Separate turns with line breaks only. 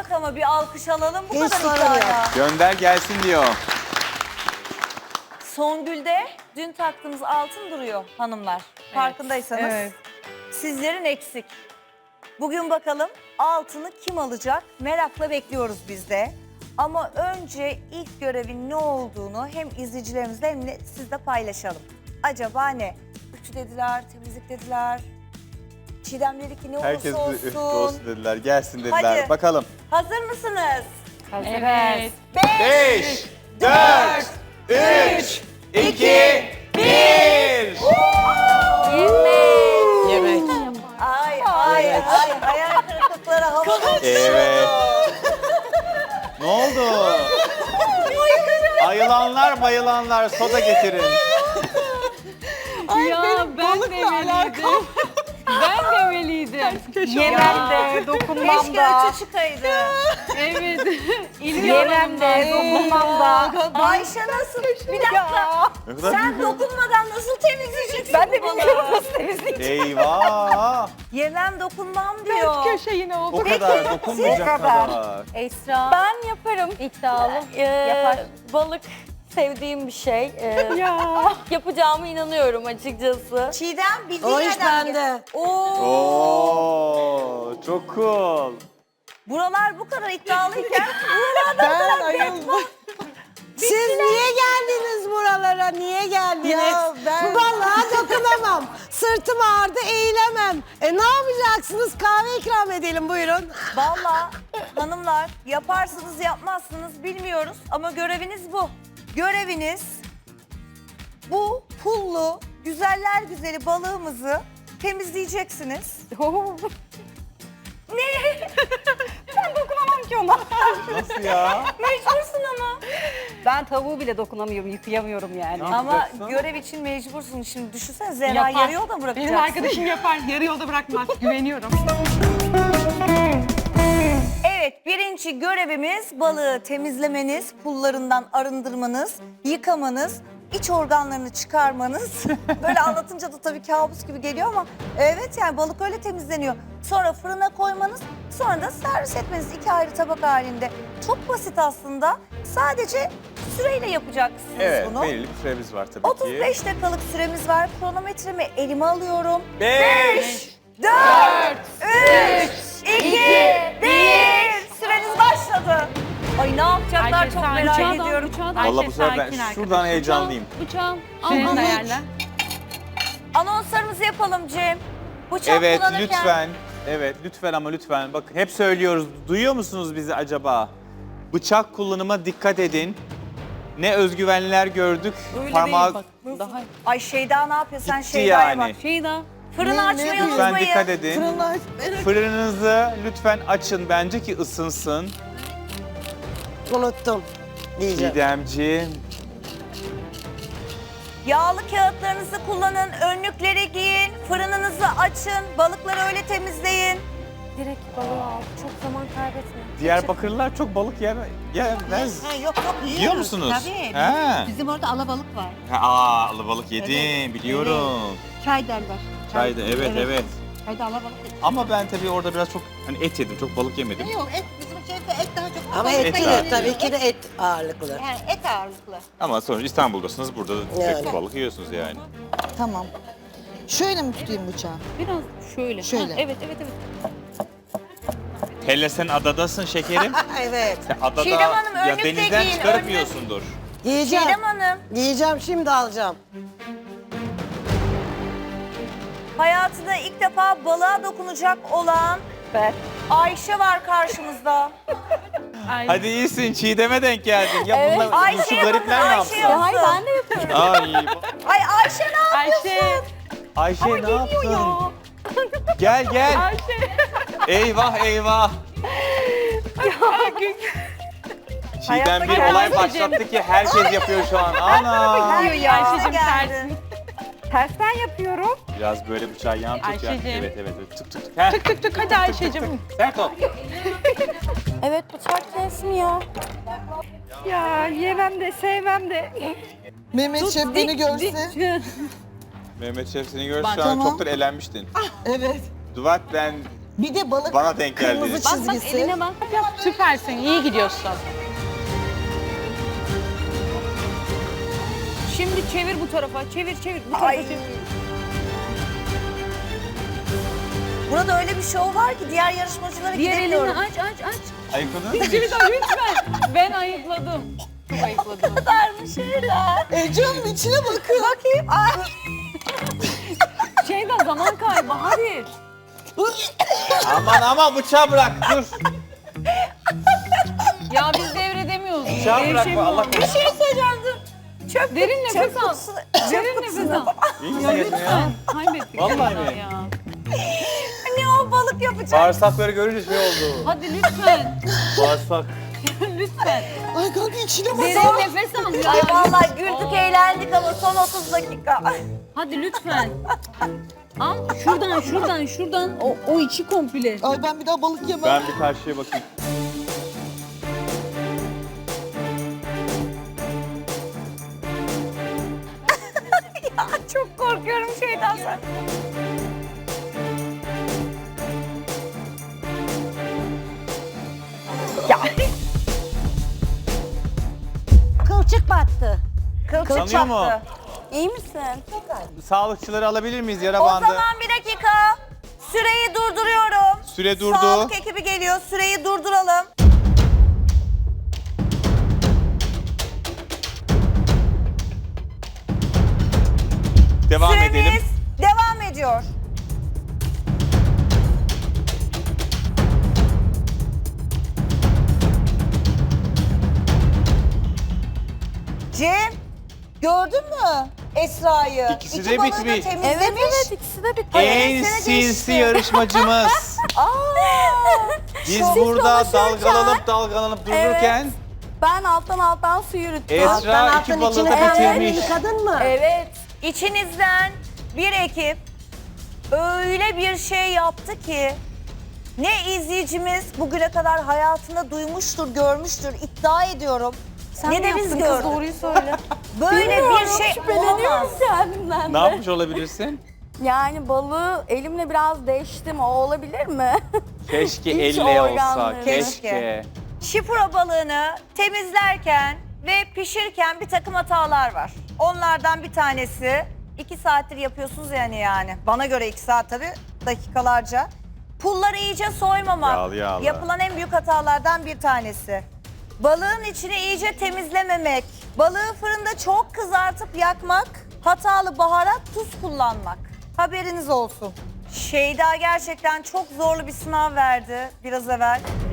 Bak ama bir alkış alalım bu
Hiç
kadar
sorun
iddiaya.
Gönder gelsin diyor.
Songül'de dün taktığımız altın duruyor hanımlar. Farkındaysanız.
evet.
Sizlerin eksik. Bugün bakalım altını kim alacak? Merakla bekliyoruz biz de. Ama önce ilk görevin ne olduğunu hem izleyicilerimizle hem de sizle paylaşalım. Acaba ne? Ütü dediler, temizlik dediler. Çiğdem dedi ki ne olursa
Herkes
olsun.
olsun dediler, gelsin dediler.
Hadi.
Bakalım.
Hazır mısınız?
Evet.
5, 4, 3, 2, 1.
Yemek.
Ay ay ay hayal kırıklıkları havada.
Evet. Ne oldu? Ayılanlar bayılanlar soda getirin.
Ya ben demeliydim. Ben demeliydim.
Yemem de, dokunmam
Keşke
da.
üçü çıkaydı.
Evet.
Yemem de, dokunmam da.
Ayşe nasıl? Bir dakika.
Ne kadar
Sen dokunmadan nasıl temizleyeceksin
Ben de
bu balığı?
bilmiyorum nasıl temizleyeceğim.
Eyvah.
Yemem dokunmam diyor.
Köşeğine oldu.
O kadar dokunmayacak kadar.
Esra.
Ben yaparım.
İddialı.
Yapar. Balık sevdiğim bir şey. Yapacağıma inanıyorum açıkçası.
Çiğdem bildiğin
O iş
nereden
bende.
geldi? Oo.
Oo, çok cool.
Buralar bu kadar iddialıyken
Ben ayıldım. Siz niye geldiniz buralara? Niye geldiniz?
Ya ben-
Bu balığa dokunamam. Sırtım ağrıdı, eğilemem. Ne yapacaksınız? Kahve ikram edelim, buyurun.
valla hanımlar yaparsınız yapmazsınız bilmiyoruz ama göreviniz bu. Göreviniz bu pullu güzeller güzeli balığımızı temizleyeceksiniz.
Dokunamam ki ona.
Nasıl ya?
Mecbursun ama.
Ben tavuğu bile dokunamıyorum, yıkayamıyorum yani.
Ama
yapacaksın?
görev için mecbursun. Şimdi düşünsene Zehra
Yapar.
yarı yolda bırakacaksın.
Benim arkadaşım yapar. Yarı yolda bırakmaz. Güveniyorum.
Evet, birinci görevimiz balığı temizlemeniz, pullarından arındırmanız, yıkamanız, iç organlarını çıkarmanız. Böyle anlatınca da tabii kabus gibi geliyor ama evet yani balık öyle temizleniyor. Sonra fırına koymanız, sonra da servis etmeniz 2 ayrı tabak halinde. Çok basit aslında. Sadece süreyle yapacaksınız
Evet,
bunu.
belirli bir süremiz var tabii ki.
35 dakikalık süremiz var. Kronometremi elime alıyorum.
5,
4, 3, 2, 1. Süreniz başladı. Ay ne yapacaklar çok merak ediyorum.
Vallahi bu sefer ben şuradan heyecanlıyım.
Bıçağım.
Cem.
Al ayarla.
Anonslarımızı yapalım Cem. Bıçak
Evet,
kullanırken
lütfen. Evet, lütfen ama lütfen. Bakın hep söylüyoruz. Duyuyor musunuz bizi acaba? Bıçak kullanıma dikkat edin. Ne özgüvenliler gördük. Parmağı
Ay Şeyda ne yapıyor? Sen
gitti
Şeyda'ya
yani.
bak.
Şeyda.
Fırını açmayı
Lütfen
unutmayın.
dikkat edin. Fırınınızı lütfen açın bence ki ısınsın.
Unuttum diyeceğim.
Çiğdemciğim.
Yağlı kağıtlarınızı kullanın, önlükleri giyin, fırınınızı açın, balıkları öyle temizleyin.
Direkt balığı al. Çok zaman kaybetme.
Diyarbakırlılar çok balık yemez.
Yok yok
Yiyor musunuz?
Tabii.
He.
Bizim orada alabalık var.
Alabalık yedim biliyorum.
Çay derler.
Çayda evet.
Çayda alabalık yedim.
Ama ben tabii orada biraz çok hani et yedim. Çok balık yemedim.
Yok et bizim şeyde et daha çok.
Ama
balıkta
et
var.
de tabii ki de et ağırlıklı.
Yani et ağırlıklı.
Ama sonuçta İstanbul'dasınız. Burada da
Yani.
hep balık yiyorsunuz yani.
Tamam. Şöyle mi tutayım bıçağı?
Biraz şöyle.
Şöyle.
Ha, evet.
Hele sen adadasın şekerim.
Evet.
Sen adada
Çiğdem Hanım,
ya
önlük de
denizden
giyin,
çıkarıp
önlük.
yiyorsundur.
Yiyeceğim.
Çiğdem Hanım,
Yiyeceğim, şimdi alacağım.
hayatında ilk defa balığa dokunacak olan Ayşe var karşımızda.
Ay.
Hadi iyisin Çiğdem'e denk geldin. Ya bunlar şu
Ayşe'ye bakın,
garipler ne
Ayşe
yapsın?
yapsın.
Ben de yapıyorum.
Ay
Ay Ayşe ne
Ayşe.
Ayşe ne yaptın? Gel gel.
Ayşe.
Eyvah. Çiğdem bir olay başlattı ki herkes yapıyor şu an. Ana.
Diyor ya Ayşe'cim
geldi?
tersin.
Tersten yapıyorum.
Biraz böyle bıçağı yan tut ya.
Ayşe'cim.
Evet. Tık tık. Heh.
Tık tık hadi Ayşe'cim.
Sert ol.
Evet bıçak kesmiyor.
Ya yemem de sevmem de.
Mehmet Şef beni görse.
Mehmet Şef seni görse şu an
Tamam.
çoktur elenmiştin.
Evet.
Duvat ben
Bir de balık
Bana denk geldi.
kırmızı
Bak
çizgisi.
eline bak. Süpersin, iyi gidiyorsun. Şimdi çevir bu tarafa, çevir. Bu tarafa
Ay.
çevir.
Burada öyle bir şov var ki diğer yarışmacılara
Diğer elini
gidemiyorum.
aç.
Ayıkladın mı?
Lütfen. Ben ayıkladım. Çok ayıkladım.
Ecem içine bakın.
Bakayım. Ay.
Şeyden zaman kaybı, hadi.
Aman bıçağı bırak dur.
Ya biz devredemiyoruz.
Bıçağı bırakma Allah
Bir şey söyleyeceğim dur. Çöp,
Derin nefes
çöp
al.
kutusu.
Derin
Çöp
nefes
kutusuna.
al.
İyi
Ya
misin ya?
lütfen. Kaybettik.
Vallahi
vallahi
mi?
ya.
Ne o balık yapacak?
Bağırsakları görünce şey oldu.
Hadi lütfen.
Bağırsak.
Lütfen.
Ay kanka içine bak.
Derin nefes al ya.
Ay vallahi güldük eğlendik ama son 30 dakika.
Hadi lütfen. Al şuradan. O içi komple.
Ay ben bir daha balık yemem.
Ben bir karşıya bakayım.
Çok korkuyorum şeyden sonra.
Kılçık battı.
Kılçık
Sanıyor mu?
battı.
İyi misin?
Sağlıkçıları alabilir miyiz yara
O
bandı?
zaman bir dakika. Süreyi durduruyorum.
Süre durdu.
Sağlık ekibi geliyor. Süreyi durduralım.
Devam
Süremiz
edelim.
devam ediyor. Cem, gördün mü Esra'yı?
İkisi
İki
de
balığı da
bitmiş.
temizlemiş.
Evet ikisi de bitti.
En
sene
sinsi
geçti.
yarışmacımız.
Aa,
Biz
Siz
burada
konuşurken-
dalgalanıp dururken
Ben alttan su yürüttüm.
Esra iki balığı da bitirmiş.
Yıkadın mı?
evet. İçinizden bir ekip öyle bir şey yaptı ki ne izleyicimiz bugüne kadar hayatında duymuştur, görmüştür, iddia ediyorum.
Sen
ne
mi
de
yaptın
biz
kız,
gördük.
doğruyu söyle.
Böyle bir şey
Şüpheleniyorum
olamaz.
kendimden
Ne
de.
yapmış olabilirsin?
Yani balığı elimle biraz değiştim. O olabilir mi?
Keşke
İç
elle olsa.
organları.
Keşke.
Şipura balığını temizlerken ve pişirirken bir takım hatalar var. Onlardan bir tanesi 2 saattir yapıyorsunuz yani. Bana göre 2 saat tabii dakikalarca. Pulları iyice soymamak.
Yağlı yağlı.
Yapılan en büyük hatalardan bir tanesi. Balığın içini iyice temizlememek. Balığı fırında çok kızartıp yakmak. Hatalı baharat, tuz kullanmak. Haberiniz olsun. Şeyda gerçekten çok zorlu bir sınav verdi biraz evvel.